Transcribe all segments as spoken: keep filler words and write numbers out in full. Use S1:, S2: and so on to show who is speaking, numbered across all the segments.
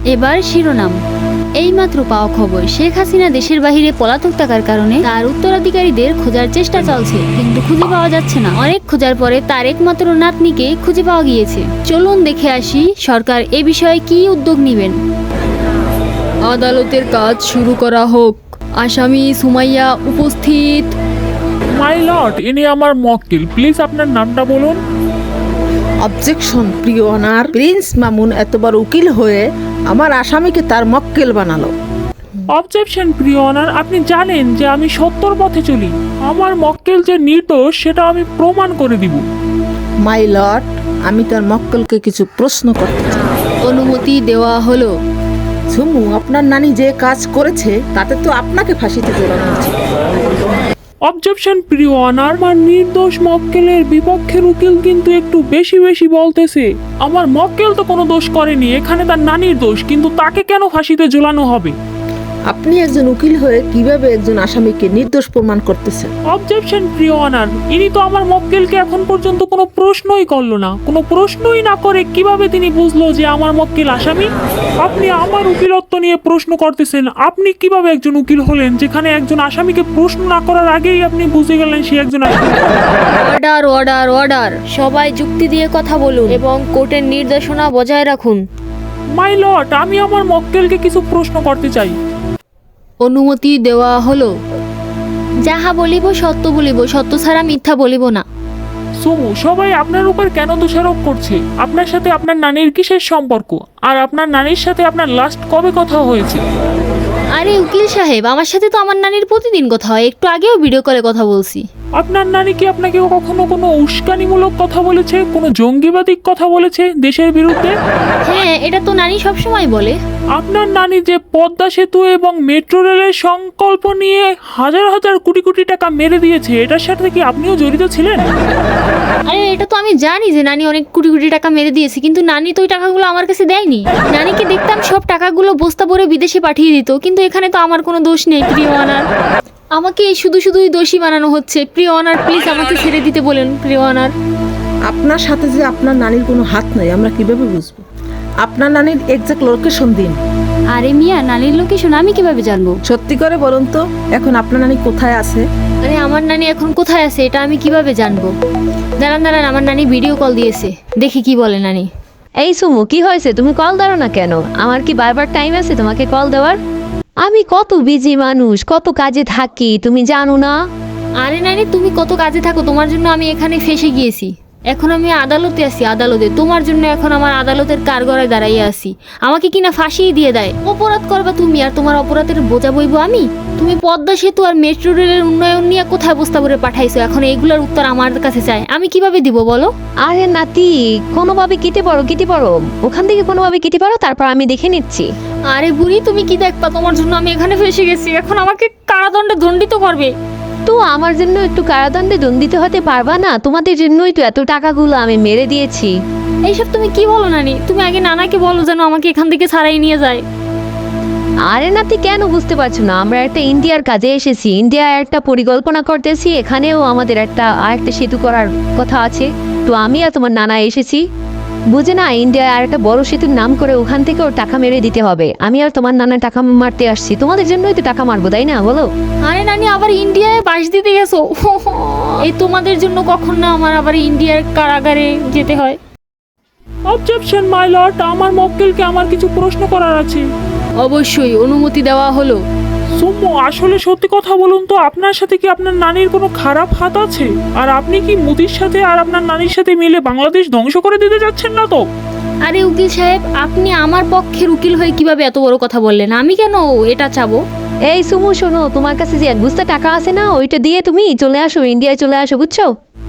S1: এবার শিরোনাম। এইমাত্র পাওয়া খবর, শেখ হাসিনা দেশের বাহিরে পলাতক থাকার কারণে তার উত্তরাধিকারীদের খোঁজার চেষ্টা চলছে, কিন্তু খুঁজে পাওয়া যাচ্ছে না। অনেক খোঁজার পরে তার একমাত্র নাতনিকে খুঁজে পাওয়া গিয়েছে। চলুন দেখে আসি সরকার এ বিষয়ে কি উদ্যোগ নেবেন। আদালতের কাজ শুরু করা হোক। আসামি সুমাইয়া উপস্থিত।
S2: মাই লর্ড, ইনি আমার মক্কেল, প্লিজ আপনার নামটা বলুন।
S3: অবজেকশন প্রিয় অনার, প্রিন্স মামুন এতবার উকিল হয়ে আমার আসামিকে তার মক্কেল বানালো।
S2: অবজেকশন প্রিয় অনার, আপনি জানেন যে আমি সত্যর পথে চলি। আমার মক্কেল যে নির্দোষ সেটা আমি প্রমাণ করে দিব।
S3: মাই লর্ড, আমি তার মক্কেলকে কিছু প্রশ্ন করতে চাই।
S1: অনুমতি দেওয়া হলো।
S3: ঝুমু, আপনার নানি যে কাজ করেছে তাতে তো আপনাকে ফাঁসিতে ঝোলানো উচিত।
S2: অবজেকশন প্রিয় অনার, আমার নির্দোষ মক্কেলের বিপক্ষের উকিল কিন্তু একটু বেশি বেশি বলতেছে। আমার মক্কেল তো কোনো দোষ করেনি, এখানে তার নানির দোষ, কিন্তু তাকে কেন ফাঁসিতে ঝোলানো হবে?
S3: আপনি একজন উকিল হয়ে কিভাবে একজন আসামিকে নির্দোষ প্রমাণ করতেছেন?
S2: অবজেকশন প্রিয় অনার, ইনি তো আমার মক্কেলকে এখন পর্যন্ত কোনো প্রশ্নই করলো না। কোনো প্রশ্নই না করে কিভাবে তিনি বুঝলো যে আমার মক্কেল আসামি? আপনি আমার উকিলত্ব নিয়ে প্রশ্ন করতেছেন। আপনি কিভাবে একজন উকিল হলেন যেখানে একজন আসামিকে প্রশ্ন না করার আগেই আপনি বুঝে গেলেন সে একজন আসামি?
S1: Order order order. সবাই যুক্তি দিয়ে কথা বলুন এবং কোর্টের নির্দেশনা বজায় রাখুন।
S2: মাই লর্ড, আমি আমার মক্কেলকে কিছু প্রশ্ন করতে চাই।
S1: অনুমতি দেওয়া হলো। যাহা বলিব সত্য বলিব, সত্য ছাড়া মিথ্যা বলিব না।
S2: সুমু, সবাই আপনার উপর কেন দোষারোপ করছে? আপনার সাথে আপনার নানির কিসের সম্পর্ক? আর আপনার নানির সাথে আপনার লাস্ট কবে কথা হয়েছে?
S1: আরে উকিল সাহেব, আমার সাথে তো আমার নানির প্রতিদিন কথা হয়, একটু আগেও ভিডিও কলে কথা বলছি।
S2: আপনার নানি কি আপনাকে কখনো কোনো উস্কানিমূলক কথা বলেছে, কোনো জঙ্গিবাদী কথা বলেছে দেশের বিরুদ্ধে?
S1: হ্যাঁ, এটা তো নানি সবসময় বলে।
S2: আপনার নানি যে পদ্মা সেতু এবং মেট্রো রেলের সংকল্প নিয়ে হাজার হাজার কোটি কোটি টাকা মেরে দিয়েছে, এটার সাথে কি আপনিও জড়িত ছিলেন?
S1: আরে এটা তো আমি জানি যে নানি অনেক কোটি কোটি টাকা মেরে দিয়েছে, কিন্তু নানি তো ওই টাকাগুলো আমার কাছে দেয়নি। নানিকে দেখতাম সব টাকাগুলো বস্তা ভরে বিদেশে পাঠিয়ে দিত, কিন্তু এখানে তো আমার কোনো দোষ নেই। প্রিয় অনার, আমাকে শুধু শুধুই দোষী বানানো হচ্ছে। প্রিয় অনার, প্লিজ আমাকে ছেড়ে দিতে বলেন। প্রিয় অনার,
S3: আপনার সাথে যে আপনার নানির কোনো হাত নাই আমরা কিভাবে বুঝবো? আপনার নানির এক্সাক্ট লোকেশন দিন।
S1: আরে মিয়া, নানির লোকেশন আমি কিভাবে জানবো?
S3: সত্যি করে বলুন তো, এখন আপনার নানি কোথায় আছে?
S1: আরে আমার নানি এখন কোথায় আছে এটা আমি কিভাবে জানবো? দাঁড়ান দাঁড়ান, আমার নানি ভিডিও কল দিয়েছে, দেখি কি বলে নানি।
S4: এই সুমু, কি হয়েছে? তুমি কল দাও না কেন? আমার কি বারবার টাইম আছে তোমাকে কল দেওয়ার? আমি কত বিজি মানুষ, কত কাজে থাকি, তুমি জানো না?
S1: আরে নানি, তুমি কত কাজে থাকো, তোমার জন্য আমি এখানে ফেসে গিয়েছি। এখন আমি আদালতে আছি, আদালতে তোমার জন্য এখন আমার আদালতের কাঠগড়ায় দাঁড়াইয়া আছি। আমাকে কিনা ফাঁসিয়ে দিয়ে দেয়। অপরাধ করবা তুমি, আর তোমার অপরাধের বোঝা বইব আমি? তুমি পদ্মা সেতু আর মেট্রো রেলের উন্নয়ন নিয়ে কোথায় বস্তা করে পাঠাইছো, এখন এইগুলোর উত্তর আমার কাছে চাই। আমি কিভাবে দিব বলো?
S4: আরে নাতি, কোনোভাবে কেটে পড়ো, কেটে পড়ো ওখান থেকে, কোনোভাবে কেটে পড়ো, তারপর আমি দেখে নিচ্ছি।
S1: আরে বুড়ি, তুমি কি দেখবা? তোমার জন্য আমি এখানে ফেসে গেছি, এখন আমাকে কারাদণ্ডে দণ্ডিত করবে।
S4: তো আমার জন্য একটু কারাদণ্ডে দণ্ডিত হতে পারবা না? তোমাদের জন্যই তো এত টাকাগুলো আমি মেরে দিয়েছি।
S1: এইসব তুমি কি বলো নানি? তুমি আগে নানাকে বলো যেন আমাকে এখান থেকে ছাড়াই নিয়ে যায়।
S4: আরে নাতি, কেন বুঝতে পারছো না? আমরা একটা ইন্ডিয়ার কাজে এসেছি, ইন্ডিয়ার একটা পরিকল্পনা করতেছি, এখানেও আমাদের একটা আর একটা সেতু করার কথা আছে। তো আমি আর তোমার নানা এসেছি, বুঝে না, ইন্ডিয়ায় আর একটা বড় সেতুর নাম করে ওখান থেকেও টাকা মেরে দিতে হবে। আমি আর তোমার নানা টাকা মারতে আসছি, তোমাদের জন্যই তো টাকা মারবো, তাই না বলো?
S1: আরে নানি, আবার ইন্ডিয়ায় বাস দিতে গেছো? এই তোমাদের জন্য কখন না আমার আবার ইন্ডিয়ার কারাগারে যেতে হয়।
S2: অবজেকশন মাই লর্ড, আমার মক্কেলকে আমার কিছু প্রশ্ন করার আছে।
S1: অবশ্যই, অনুমতি দেওয়া হলো।
S2: সুমু, আসলে সত্যি কথা বলুন তো, আপনার সাথে কি আপনার নানির কোনো খারাপ হাত আছে? আর আপনি কি মোদির সাথে আর আপনার নানির সাথে মিলে বাংলাদেশ ধ্বংস করে দিতে যাচ্ছেন না তো?
S1: আরে উকিল সাহেব, আপনি আমার পক্ষের উকিল হয়ে কিভাবে এত বড় কথা বললেন? আমি কেন এটা চাবো?
S4: এই সুমু, শোনো, তোমার কাছে যে এক বস্তা টাকা আছে না, ওইটা দিয়ে তুমি চলে আসো, ইন্ডিয়ায় চলে আসো, বুঝছো?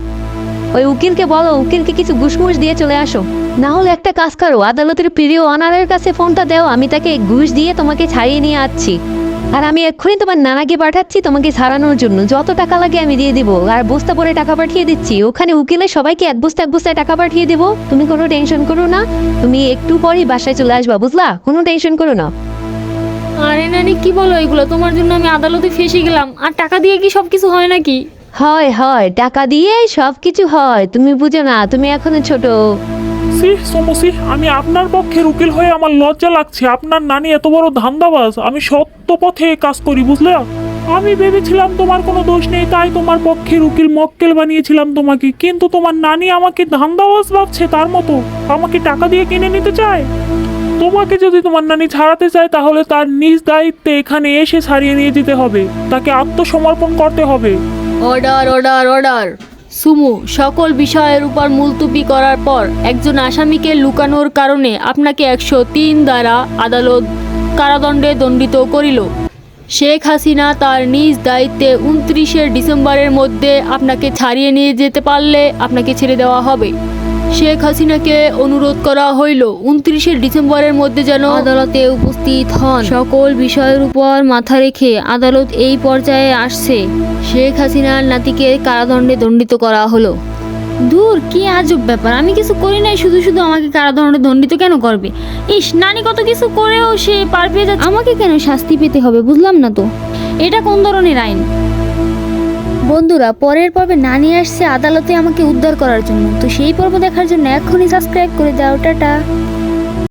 S4: ওই উকিলকে বলো, উকিলকে কিছু ঘুষমুষ দিয়ে চলে আসো। না হলে একটা কাজ করো, আদালতের প্রিয় অনারের কাছে ফোনটা দাও, আমি তাকে ঘুষ দিয়ে তোমাকে ছাড়িয়ে নিয়ে আসছি। আর আমি এক্ষুনি তোমার নানাকে পাঠাচ্ছি তোমাকে ছাড়ানোর জন্য, যত টাকা লাগে আমি দিয়ে দিব। আর বস্তা পরে টাকা পাঠিয়ে দিচ্ছি, ওখানে উকিলের সবাইকে এক বস্তা এক বস্তায় টাকা পাঠিয়ে দেবো। তুমি কোনো টেনশন করো না, তুমি একটু পরই বাসায় চলে আসবা, বুঝলা? কোনো টেনশন করো না।
S1: আরে নানি, কি বলো এগুলো? তোমার জন্য আমি আদালতে ফেসে গেলাম, আর টাকা দিয়ে কি সবকিছু হয় নাকি?
S4: হয় হয়, টাকা দিয়ে সব কিছু হয়, তুমি বুঝো না, তুমি এখনো ছোট।
S2: সি সমসি আমি আপনার পক্ষের উকিল হয়ে আমার লজ্জা লাগছে। আপনার নানি এত বড় ধান্দাবাজ, আমি সত্য পথে কাজ করি, বুঝলে? আমি ভেবেছিলাম তোমার কোনো দোষ নেই, তাই তোমার পক্ষের উকিল মক্কেল বানিয়েছিলাম তোমাকে, কিন্তু তোমার নানি আমাকে ধান্দাবাজ ভাবছে তার মতো, আমাকে টাকা দিয়ে কিনে নিতে চায়। তোমাকে যদি তোমার নানি ছাড়াতে চায় তাহলে তার নিজ দায়িত্বে এখানে এসে ছাড়িয়ে নিয়ে যেতে হবে, তাকে আত্মসমর্পণ করতে হবে।
S1: অর্ডার অর্ডার অর্ডার সুমু, সকল বিষয়ের উপর মুলতুবি করার পর একজন আসামিকে লুকানোর কারণে আপনাকে একশো তিন দ্বারা আদালত কারাদণ্ডে দণ্ডিত করিল। শেখ হাসিনা তার নিজ দায়িত্বে উনত্রিশে ডিসেম্বরের মধ্যে আপনাকে ছাড়িয়ে নিয়ে যেতে পারলে আপনাকে ছেড়ে দেওয়া হবে। শেখ হাসিনাকে অনুরোধ করা হইল উনত্রিশে ডিসেম্বরের মধ্যে যেন আদালতে উপস্থিত হন। সকল বিষয়ের উপর মাথা রেখে আদালত এই পর্যায়ে আসছে, শেখ হাসিনার নাতিকে কারাদণ্ডে দণ্ডিত করা হলো। দূর, কি আজব ব্যাপার, আমি কিছু করি নাই, শুধু শুধু আমাকে কারাদণ্ডে দণ্ডিত কেন করবে? ইস, নানি কত কিছু করেও সে পার পেয়ে যাচ্ছে, আমাকে কেন শাস্তি পেতে হবে? বুঝলাম না তো, এটা কোন ধরনের আইন? বন্ধুরা, পরের পর্বে নানি আসছে আদালতে আমাকে উদ্ধার করার জন্য, তো সেই পর্ব দেখার জন্য এখনই সাবস্ক্রাইব করে দাও। টাটা।